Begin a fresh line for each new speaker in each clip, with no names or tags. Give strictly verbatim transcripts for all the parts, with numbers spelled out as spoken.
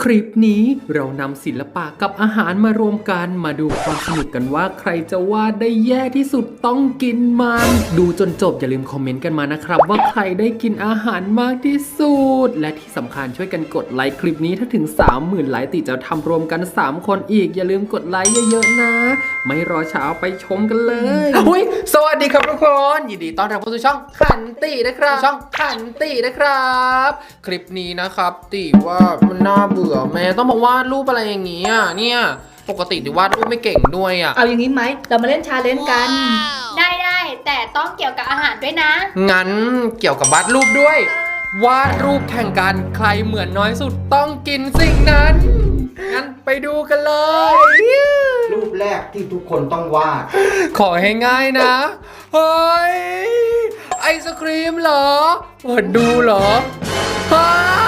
คลิปนี้เรานำศิลปะกับอาหารมารวมกันมาดูความสนุกกันว่าใครจะวาดได้แย่ที่สุดต้องกินมันดูจนจบอย่าลืมคอมเมนต์กันมานะครับว่าใครได้กินอาหารมากที่สุดและที่สำคัญช่วยกันกดไลค์คลิปนี้ถ้าถึง สามหมื่น ไลค์ติจะทำรวมกันสามคนอีกอย่าลืมกดไลค์เยอะๆนะไม่รอช้าไปชมกันเลยอุ้ยสวัสดีครับทุกคนยินดีต้อนรับเข้าสู่ช่องขันตินะครับช่องขันตินะครับคลิปนี้นะครับติว่ามันน่าเบื่อแม่ต้องมาวาดรูปอะไรอย่างนี้อ่ะเนี่ยปกติติวาดรูปไม่เก่งด้วยอ่ะ
เอาอย่างนี้ไหมเรามาเล่นชาเลนจ์กัน
ได้ได้แต่ต้องเกี่ยวกับอาหารด้วยนะ
งั้นเกี่ยวกับวาดรูปด้วย วาดรูปแข่งกันใครเหมือนน้อยสุดต้องกินสิ่งนั้นงั้นไปดูกันเลย
รูปแรกที่ทุกคนต้องวาด
ขอให้ง่ายนะเฮ้ยไอศครีมเหรอเปิดดูเหรอฮ่า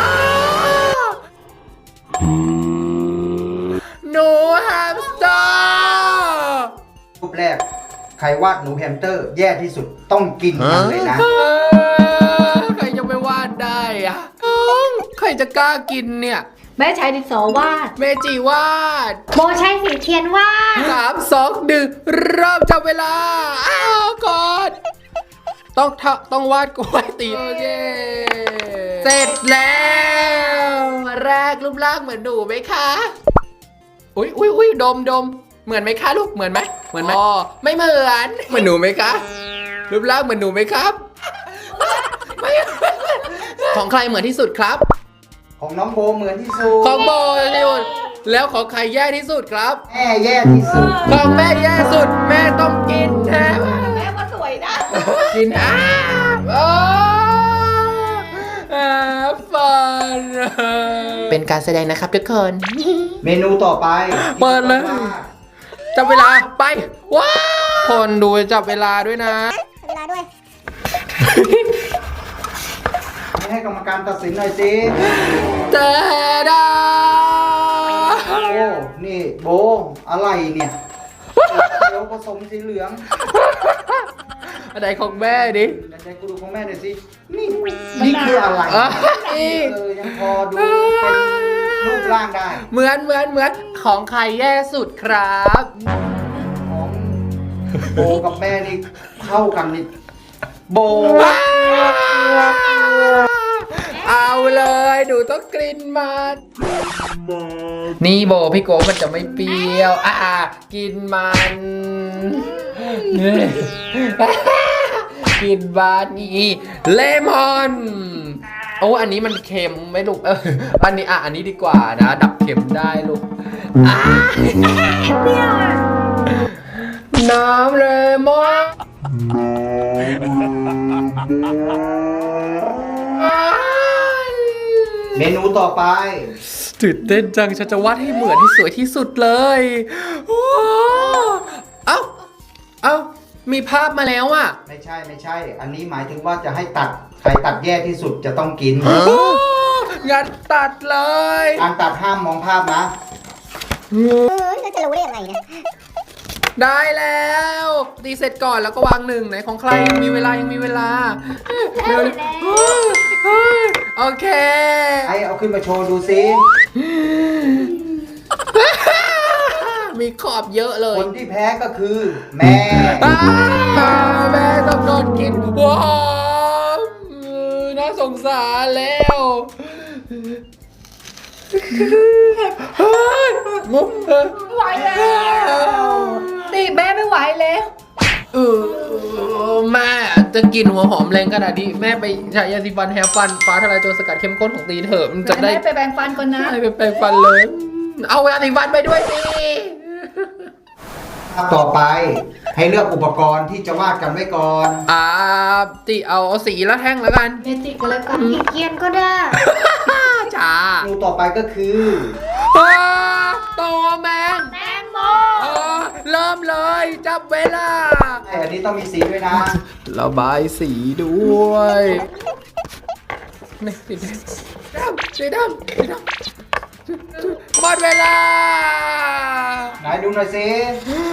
หนูแฮมสเตอร์
รูปแรกใครวาดหนูแฮมสเตอร์แย่ที่สุดต้องกินมันเลยนะ
เออใครจะไปวาดได้อะใครจะกล้ากินเนี่ย
แม่ใช้ดินสอวาด
เมจิวาด
โบใช้สีเทียนว่าด
สามสองหนึ่งเริ่มจับเวลาอ้าวก่อนต้องทะต้องวาดกล้วยตีโอเคเสร็จแล้วแรกรูปร่างเหมือนหนูไหมคะอุ้ยอุ้ยอุ้ยดมดมเหมือนไหมคะลูกเหมือนไหมเหมือนไหมอ๋อไม่เหมือนเหมือนหนูไหมคะรูปร่างเหมือนหนูไหมครับไม่ของใครเหมือนที่สุดครับ
ของน้องโบเหมือนที่สุด
ของโบที่สุดแล้วของใครแย่ที่สุดครับ
แม่แย่ที่สุด
ของแม่แย่สุดแม่ต้องกินแทน
แม่ก็สวยนะ
กินอ้าโอ้อาฟันเป็นการแสดงนะครับทุกคน
เมนูต่อไป
เปิดเลย
ที่ต้องวาด
จับเวลาไปว้าวคนดูจับเวลาด้วยนะ
เวลาด้วย
ให้กรรมการตัดสินหน่อยสิ
เตดา
โอ้นี่โบอะไรเนี่ยเขียวผสมสีเหลือง
อะไรของแม่ดิ
ไหนๆกูดูของแม่หน่อยสินี่นี่คืออะไร
อ่ะ
เออยังพอดูเป็นรูปร่างได้
เหมือนเหมือนเหมือนของใครแย่สุดครับ
ของโบกับแม่นี่เข้ากันนี่โบ
เอาเลยหนูต้องกลิ่นมันนี่โบพี่โกมันจะไม่เปรี้ยวอ่ะกินมันนี่กินบานี่เลมอนโอ้อันนี้มันเค็มไหมลูกเอออันนี้อ่ะอันนี้ดีกว่านะดับเค็มได้ลูกอ่ะน้ำเลมอน
เมนูต่อไป
ตื่นเต้นจังฉันจะวาดให้เหมือนที่สวยที่สุดเลยว้าวเอ้าเอ้ามีภาพมาแล้วอ่ะ
ไม่ใช่ไม่ใช่ อันนี้หมายถึงว่าจะให้ตัดใครตัดแย่ที่สุดจะต้องกิน
งั้นตัดเลย
การตัดห้ามมองภาพนะ
เออเราจะรู้ได้ยังไงเนี่ย
ได้แล้วตีเสร็จก่อนแล้วก็วางหนึ่งไหนของใครยังมีเวลายังมีเวลาเร็วโอเค
ไอเอาขึ้นมาโชว์ดูซิ
มีขอบเยอะเล
ค
ย
นที่แพ้ก็คือแม่
อ้าวแม่ต้องโดนกินว้าวน่าสงสารแล้วเฮ้ยมุกเออ
ไหวแล้วตีแม่ไม่ไหวแล้ว
เออแม่จะกินหัวหอมแรงขนาดนี้แม่ไปใช้ยาสีฟันแฮร์ฟันฟ้าทลายโจรสกัดเข้มข้นของตีเถอะมันจะได้
แม่ไปแปรงฟันก่อนนะ
ให้ไปแปรงฟันเลย เอายาสีฟันไปด้วยสิ
ต่อไปให้เลือกอุปกรณ์ที่จะวาดกันไว้ก่อน
อ่าติเอาเอาสีแล้วแท่งแล้วกัน
เมจิก็แล้วกัน
สีเทียนก็ได้
จ้า
เมนูต่อไปก็คือ
อ้าตัวแมง
แตงโม
เออเริ่มเลยจับเวลา
ไออันนี้ต้องมีสีด้วยนะ
ระบายสีด้วยนี่สีแดงดำสีดำสีดำหมดเวลา
ไหนดูหน่อยสิ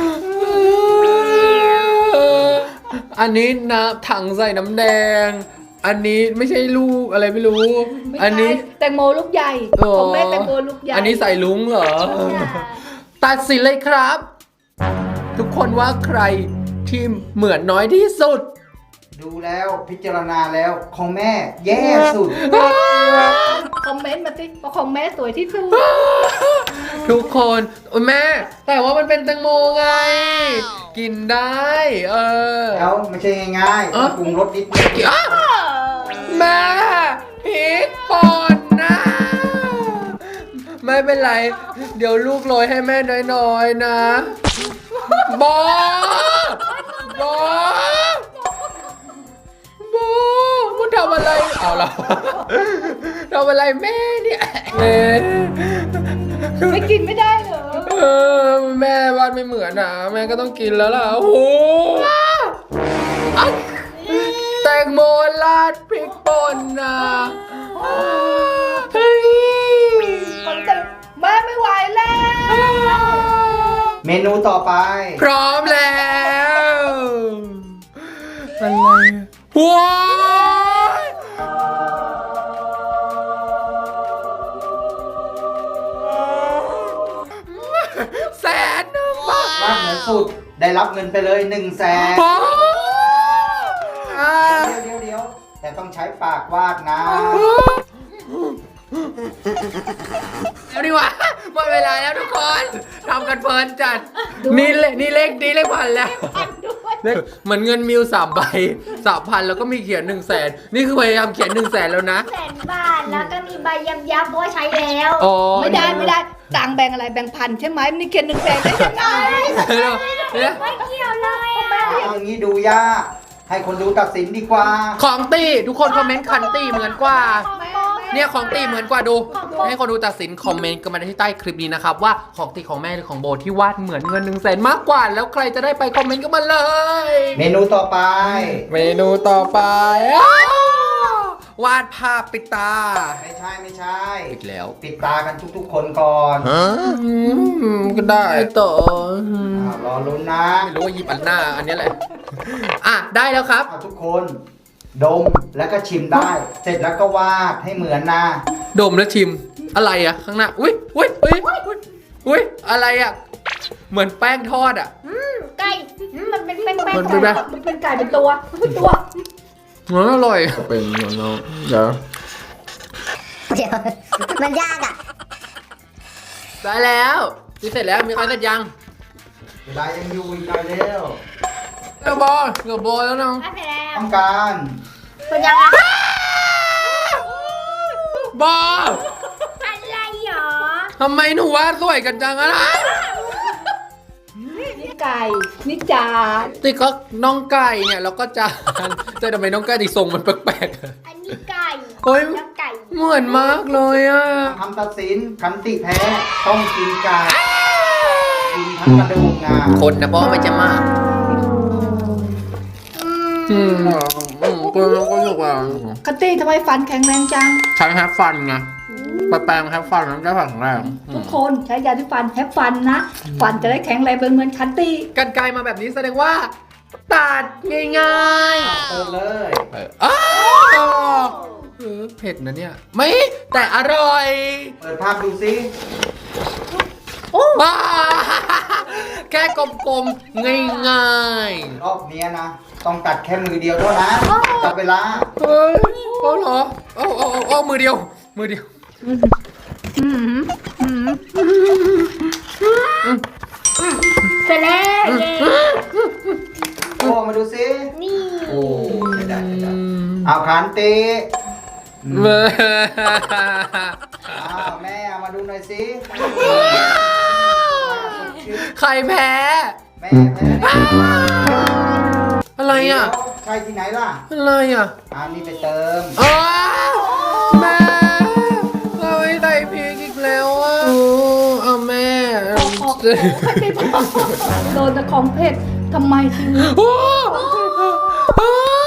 อันนี้น้ำถังใส่น้ำแดงอันนี้ไม่ใช่ลูกอะไรไม่รู้
ไม่
อัน
ใช่
นี้
แตงโมลูกใหญ่
อ๋อ
ของแม่แตงโมลูกใหญ่
อันนี้ใส่ลุงเหรอ ตัดสินเลยครับ ทุกคนว่าใครที่เหมือนน้อยที่สุด
ดูแล้วพิจารณาแล้วของแม่แย่สุด
คอมเมนต์มาสิว่าของแม่สวยที่สุด
ทุกคนโอ้ยแม่ แต่ว่ามันเป็นแตงโมไง กินได้ เออ
แล้วไม่ใช่ง่ายๆ
เอ้า
ต้องปรุงรสนิดนึง
อ้าวแม่พริกป่นนะ ไม่เป็นไร เดี๋ยวลูกโรยให้แม่น้อยๆนะบอบอบอมันทำอะไรเอาละทำอะไรแม่เนี่ยแม่
ไม่กินไม่ได้เหรอ
เออแม่วาดไม่เหมือนนะแม่ก็ต้องกินแล้วล่ะโอ้โหอ่ะแตงโมราดพริกป่นนะเฮ้ย
คนเต็มแม่ไม่ไหวแล้ว
เมนูต่อไป
พร้อมแล้วอะไรว้าวแสนหนึ่งบาท
วาดเหนือสุดได้รับเงินไปเลยหนึ่งแสน
โอ้อ่า
เดี๋ยวเดี๋ยวแต่ต้องใช้ปากวาดนะ
เดี๋ยวดีกว่าหมดเวลาแล้วทุกคนทำกันเพลินจัด นี่เลขนี่เลขนี่เลขพันแล้วเลขเหมือนเงินมิวสามใบสามพันแล้วก็มีเขียนหนึ่งแสนนี่คือพยายามเขียนหนึ่งแสนแล้วนะ
แสนบาทแล้วก็มีใบยับยับเพราะว่าใช้แล้ว
อ๋อ
ไม่ได้ไม่ได้ต่างแบ่งอะไรแบ่งพันใช่ไหมมันนี่เขียนหนึ่งแสนได้ยังไง
เดี๋ยวเดี๋ยว
ไม่เกี่ยวเลยอ่ะ
เอาอย่างนี้ดูยากให้คนดูตัดสินดีกว่า
ของตีทุกคนคอมเมนต์คันตีเหมือนกว่า
แม่
เนี่ยของตีเหมือนกว่าดู ให้คนดูตัดสินคอมเมนต์กันมาที่ใต้คลิปนี้นะครับว่าของตีของแม่หรือของโบที่วาดเหมือนเงินหนึ่งแสนมากกว่า แล้วใครจะได้ไปคอมเมนต์กันมาเลย
เมนูต่อไป
เมนูต่อไปอ้าววาดภาพปิดตา
ไม่ใช่ไม่ใช่
อีกแล้ว
ปิดตากันทุกๆคนก่อน
อืมก็ได้ต่อ
อ้าวรอลุ้นนะ
ไม่รู้ว่าหยิบอันหน้าอันนี้แหละ อ่ะได้แล้วครับ
เอาทุกคน ดมแล้วก็ชิมได้ เสร็จแล้วก็วาดให้เหมือนนะ
ดมแล้วชิมอะไรอะข้างหน้าอุ้ยอุ้ยอุ้ยอุ้ยอุ้ยอะไรอะเหมือนแป้งทอดอะ
ไก่อืมมันเป็นแป้งแป้ง
มันเป็นแบบ
มันเป็นไก่เป็นตัวเป็นตัว
อ๋ออร่อยเป็นอย่างน้องเดี๋ยว
เดี๋ยวมันยากอ่ะ
ได้แล้วที่เสร็จแล้วมีใครเสร็จยัง
เวลายังอยู่อีกหน่อยเร็ว
เดี๋ยวบอลเดี๋ยวบอลแล้วน้อง
ไม่ไปแล้ว
ต้องการ
เป็นยังไง
บอล
อะไรหรอ
ทำไมหนูวาดสวยกันจังอะนะ
นี่ไก่นี่จาน
ติก็น้องไก่เนี่ยแล้วก็จานแต่ทำไมน้องไก่ติทรงมันแปลกๆอะ
อันนี้ไก่
โอ้ย
แล้วไก่
เหมือนมากเลยอะ
คำตัดสินคันติแพ้ต้องกินไก่กินทั้งกระดูกงา
คนนะบอลไม่จะมาก อืมอืมก็ก็รู้สึกว่า
คัตตี้ทำไมฟันแข็งแรงจัง
ใช้แฮปฟันไงไปแปลงแฮปฟันแล้วได้ฝังแรง
ทุกคนใช้ยาที่ฟันแฮปฟันนะ ฟันจะได้แข็งแรงเป็นเหมือนคัตตี้
กันไกลมาแบบนี้แสดงว่าตัดง่าย
เปิดเลย
ๆเอออ้าวเออเผ็ดนะเนี่ย ไม่แต่อร่อย
เปิดภาพดูซิ
บ้าแค่กลมๆง่าย
รอบเนี้ยนะ ต้องตัดแค่มือเดียวเท่านั้นจับเวลา
ๆเฮ้ยเอาเหรอเอาเอาเอาเอามือเดียว มือเดียว
เสร็จแล้วเย้
โอ้มาดูซิ
นี่
โอ้ไม่ได้ไม่ได้เอาคันติ
เว้ย
อ้าวแม่เอามาดูหน่อยสิ
ใครแพ้
แม่แพ้
อะไรอ่ะ
ใช่ที่ไหนล่ะ
อะไรอ่ะ
อ่านี่ไปเติม
อ้าวแม่เราไม่ใส่พริกอีกแล้วอ่ะโอ้เอาแม่
ออกออกคัตตี้บอกโดนแต่ของเผ็ดทำไมถึง
โอ้โอ้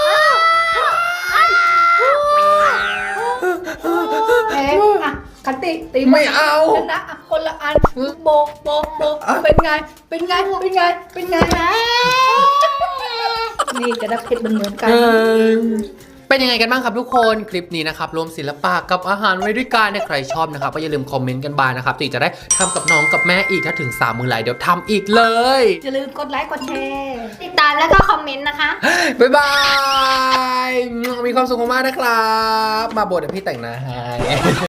แพ้อ่ะคัตตี้ตี
ไม่เอา
ชนะอ่ะคนละอันโบกโบกโบกเป็นไง เป็นไง เป็นไง เป็นไง นี่จะได้เผ็ดเหมือนๆกัน
เออแเป็นยังไงกันบ้างครับทุกคนคลิปนี้นะครับรวมศิลปะกับอาหารไว้ด้วยกันเนี่ยใครชอบนะครับก็อย่าลืมคอมเมนต์กันบ้างนะครับตีจะได้ทำกับน้องกับแม่อีกถ้าถึงสามหมื่นไลค์เดี๋ยวทำอีกเลย
อย่าลืมกดไลค์กดแชร์
ติดตามแล้วก็คอมเมนต์นะคะ
บ๊ายบายมีความสุขมากๆนะครับมาบทเดี๋ยวพี่แต่งหน้าให้